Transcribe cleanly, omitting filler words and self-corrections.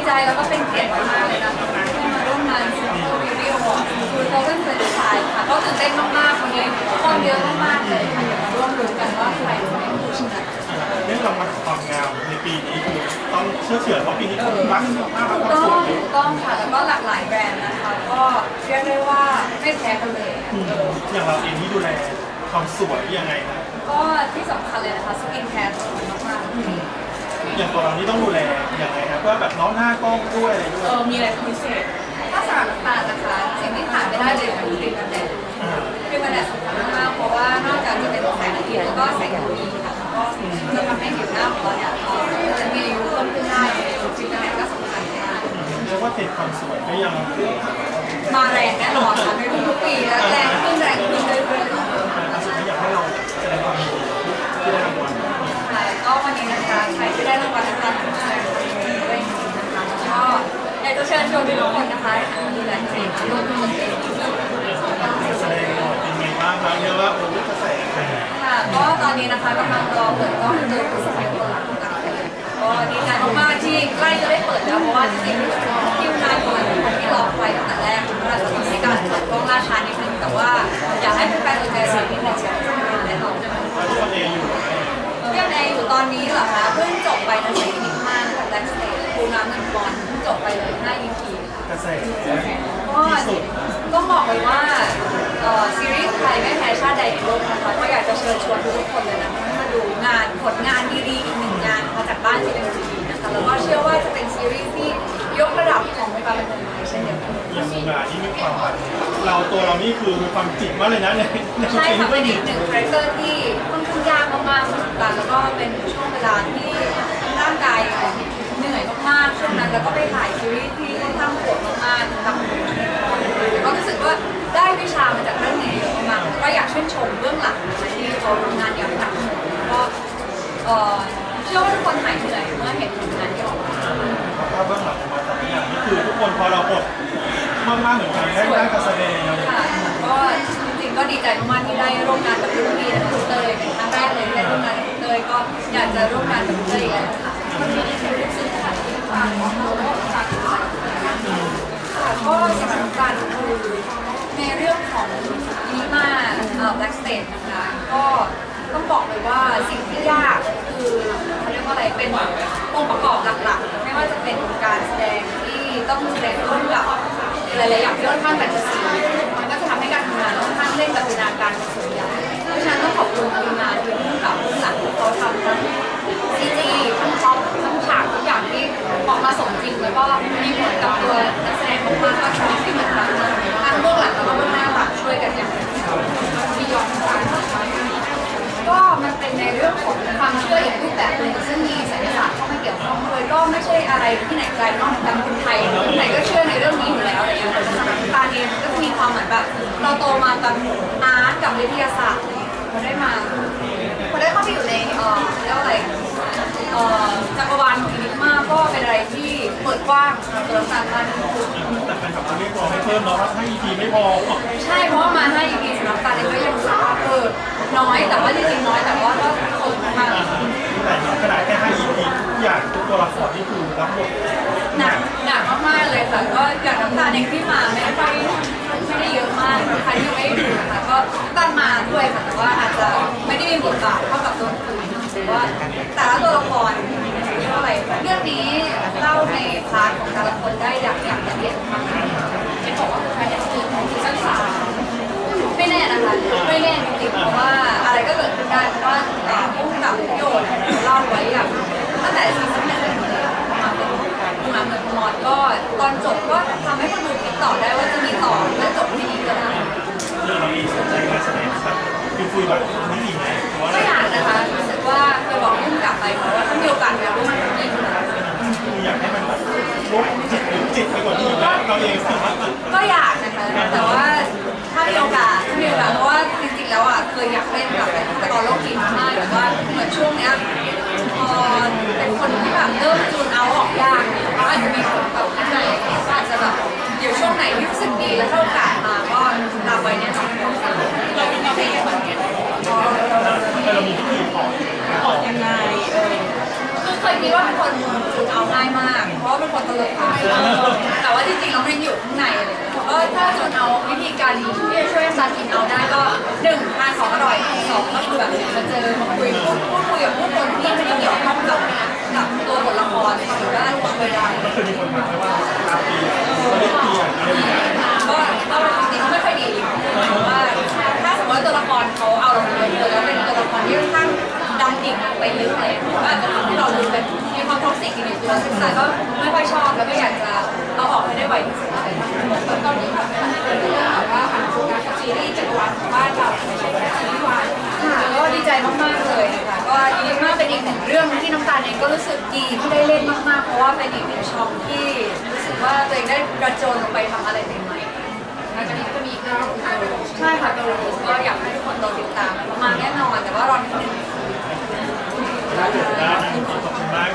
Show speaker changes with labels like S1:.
S1: ใจแล้วก็เป็นเกียรติมากๆเลยนะคะที่มาร่วมงานซูเปอร์วิวอวอร์ดคือเราเป็นเพื่อนชายค่ะก็ตื่นเต้นมากๆวันนี้คนเยอะมากๆเลยค่ะมาร่วมลุ้นกันว่าใครจะเป็นผู้ชนะ
S2: เรื่องรางวัลความงามในปีนี้คือต้องเชื่อเฉื่อยเพราะปีนี้คนรักมากความสวย
S1: ต้องค่ะแล้วก็หลากหลายแบรนด์นะคะก็เรียกได้ว่าไม่แพ้กันเลย
S2: อย่างเราเองที่ดูแลความสวยยังไงนะ
S1: ก็ที่สำคัญเลยนะคะสกินแคร์สำคัญมาก
S2: ๆอย่างตัวเรานี่ต้องดูแลอย่างไรครับเพื่อแบบน้องหน้ากล้องด้วยอะไรด้วย
S1: มีอะไรพิเศษถ้าสำหรับน้ำตาลนะคะสิ่งที่ขาดไม่ได้เลยคือครีมกันแดดครีมกันแดดสำคัญมากเพราะว่านอกจากจะเป็นแสงอาทิตย์แล้วก็แสง UV ค่ะก็จะทำให้ผิวหน้าของเราเนี่ยจะมีอายุเพิ่มขึ้นได้ครีมกันแดดก็สำคัญมาก
S2: เรียกว่าเทรนด์ความสวยก็ยัง
S1: มาแรงแน่นอนค่ะในทุกปีและแรงขึ้นเรื่อยๆ
S2: อยากให้เราแสดงความยินดีที่ได้รางวัล
S1: ก็วันนี้นะคะใครที่ได้รางวัลนะคะทุกท่านด้วยนะคะก็อยากจะเชิญชวนทุกคนนะคะดูแลตัวเองร่วมมือกัน
S2: แสดงเป็นไงบ้างครับเรียกว่าโอ้กระแส
S1: ค่ะก็ตอนนี้นะคะกำลังรอเปิดกล้องตัวผู้สมัยตัวหลังต่างๆก็ดีใจมากๆที่ใกล้จะได้เปิดแล้วเพราะว่าจริงๆคิวนานกว่าที่รอไปตั้งแต่แรกเราจะทำให้การเปิดกล้องล่าช้านิดนึงแต่ว่าอยากให้แฟนๆใจสิ่งที่เป็นเชียร์ได้เรา
S2: ที่วันเองอยู่
S1: เรื่องแอร์อยู่ตอนนี้เหรอคะเพิ่งจบไปในซีรีส์5นะคะแบ็กสเตจปูน้ำเงินบอลเพิ่งจบไปเลย5 EP
S2: กระแส
S1: ก็บอกเลยว่าซีรีส์ไทยไม่แพ้ชาติใดในโลกนะคะก็อยากจะเชิญชวนทุกคนเลยนะคะให้มาดูงานผลงานดีๆอีกหนึ่งงานมาจากบ้าน GMMTV นะคะแล้วก็เชื่อว่าจะเป็นซีรีส์ที่ยกระดับของวงการบันเทิงไทยเช่นเดียวกัน
S2: อย่างงานที่มีความตัวเรานี่คือมีความจิตมากเลยนะเนี่ย
S1: ใช่ค่ะเป็นอีกหนึ่งคาแรคเตอร์ที่ค่อนข้างยากมากๆเหมือนกันแล้วก็เป็นช่วงเวลาที่ร่างกายเหนื่อยมากๆช่วงนั้นแล้วก็ไปถ่ายซีรีส์ที่ค่อนข้างโหดมากๆทำก็รู้สึกว่าได้วิชามาจากเรื่องนี้เยอะมากก็อยากชื่นชมเบื้องหลังนะคะที่เขาทำงานอย่างหนักก็เชื่อว่าทุกคนหายเหนื่อยเมื่อเห็นผลงานที่ออกมา
S2: ถ้าเบื้องหลังมาแต่ละอย่างนี่คือทุกคนพอเราบทมากๆเหมือนกันได้การแสดง
S1: ค่ะก็จริงๆก็ดีใจมากๆที่ได้ร่วมงานกับรุ่นพี่และคุณเตยเป็นครั้งแรกเลยที่ได้ร่วมงานกับคุณเตยก็อยากจะร่วมงานกับคุณเตยอีกแล้วค่ะก็สำหรับการคือในเรื่องของนีมาแบล็กสเตจนะคะก็ต้องบอกเลยว่าสิ่งที่ยากคือเขาเรียกว่าอะไรเป็นองค์ประกอบหลักๆไม่ว่าจะเป็นการแสดงที่ต้องแสดงร่วมกับหลายๆอย่างที่ค่อนข้างแฟนตาซีมันก็จะทำให้การทำงานค่อนข้างเล่นกับจินตนาการเป็นส่วนใหญ่เพราะฉะนั้นต้องขอบคุณทีมงานที่ร่วมกับเบื้องหลังที่เขาทำทั้งซีจีทั้งท็อปทั้งฉากทุกอย่างที่ออกมาสมจริงแล้วก็มีผลกับตัวนักแสดงมากๆก็ชอบที่เหมือนกันทั้งเบื้องหลังแล้วก็เบื้องหน้าต่างช่วยกันอย่างที่ยอมกันก็มันเป็นในเรื่องของความเชื่ออีกรูปแบบหนึ่งซึ่งมีไสยศาสตร์เข้ามาเกี่ยวข้องด้วยก็ไม่ใช่อะไรที่ไหนไกลนอกจากคนไทยคนไทยก็เชื่อในเรื่องนี้อยู่แล้วอะไรอย่างเงี้ยแต่สำหรับตาเองก็มีความเหมือนแบบเราโตมากับอาร์ตกับวิทยาศาสตร์พอได้เข้าไปอยู่ในเรียกว่าอะไรจักรวาลของอินิกมาก็เป็นอะไรที่เปิดกว้างสำหรับการมาดู
S2: แต่เป็นแบบเรียกร้องให้เพิ่มเนาะถ้า EP ไม่พอ
S1: ใช่เพราะว่ามา5 EP สำหรับการเองก็ยังรู้สึกว่าน้อยแต่ว่าจริงๆน้อยแต่ว่าก็คงมาก
S2: แต่ขนาดแค่5 EP ทุกอย่างทุกตัวละครนี่คือรับบท
S1: หนักมากๆเลยค่ะก็อย่างน้ำตาลเองที่มาไม่ได้เยอะมากใครที่ไม่ได้ดูนะคะก็ตั้งมาด้วยค่ะแต่ว่าอาจจะไม่ได้มีบทบาทเท่ากับตัวอื่นหรือว่าแต่ละตัวละครเท่าไหร่เรื่องนี้เล่าในพาร์ทของแต่ละคนได้อย่างละเอียดมากจะบอกว่าใครจะตื่นของซีซั่น3ไม่แน่นะคะไม่แน่จริงๆเพราะว่าอะไรก็เกิดขึ้นได้เพราะว่าผู้กำกับโยนเล่าไว้อย่างตั้งแต่ซีซั่น1มาเป็นมาเหมือนมอดก็ตอนจบก็ทำให้คนดูคิดต่อได้ว่าจะมีต่อและจบที่นี้ก็ได้
S2: เรามีสนใจการแสดงครับคุยแบบนี้ดีไหม
S1: ก็อยากนะคะรู้สึกว่าจะบอกพุ่งกลับไปเพราะว่าถ้ามีโอกาสแล้วมันยิ่ง
S2: อยากให้มันแบบลดจิตไปกว่านี้นะเราเอง
S1: ก็อยากนะคะแต่ว่าถ้ามีโอกาสเพราะว่าจริงๆแล้วอ่ะเคยอยากเล่นกับตอนโลกหินมากแต่ว่าเหมือนช่วงเนี้ยเป็นคนที่แบบเริ่มจูนเอาออกยากเพราะอาจจะมีผลกับข้างในอาจจะแบบเดี๋ยวช่วงไหนที่รู้สึกดีแล้วถ้าโอกาสมาก็รับไว้แน่นอนเราไม่ได้เหมือนกัน
S2: เรามีวิธีถอด
S1: ยังไงเคยคิดว่าเป็นคนจูนเอาง่ายมาก เพราะว่าเป็นคนตลกแต่ว่าจริงๆเราไม่ได้อยู่ข้างในเลยก็ถ้าจูนเอาวิธีการที่จะช่วยซันกินเอาได้ก็1ทานของอร่อย2ก็คือแบบมาเจอมาคุยพูดคุยกับผู้คนที่ไม่ได้เกี่ยวข้องกับตัวบทละครหรือว่าตัวเวลา
S2: ก็คือมีคนมาว่าอาเปียเขาเรียกเปียอะไรอย่างเงี้ย
S1: ก็เอาจริงๆไม่ค่อยดีเพราะว่าถ้าสมมติว่าตัวละครเขาเอาเราไปเลยแล้วเป็นตัวละครที่ค่อนข้างดำดิ่งไปลึกเลยก็อาจจะทำให้เราดูเป็นมีความท็อกซิกอยู่ในตัวซึ่งแต่ก็ไม่ค่อยชอบแล้วก็อยากจะเอาออกให้ได้ไวที่สุดตอนนี้แบบเป็นเรื่องแบบว่าผ่านโครงการซีรีส์จักรวาลของบ้านเราไม่ใช่แค่ซีรีส์วายค่ะก็ดีใจมากๆเลยค่ะก็ยินดีมากเป็นอีกหนึ่งเรื่องที่น้ำตาลเองก็รู้สึกดีที่ได้เล่นมากๆเพราะว่าเป็นอีกหนึ่งช่องที่รู้สึกว่าตัวเองได้กระโจนลงไปทำอะไรใหม่ๆ หลังจากนี้ก็มีอีกเรื่องนึงใช่ค่ะตัวรูสก็อยากให้ทุกคนรอติดตามมาแน่นอนแต่ว่ารอนิดนึง
S2: ได้ขอบคุณมาก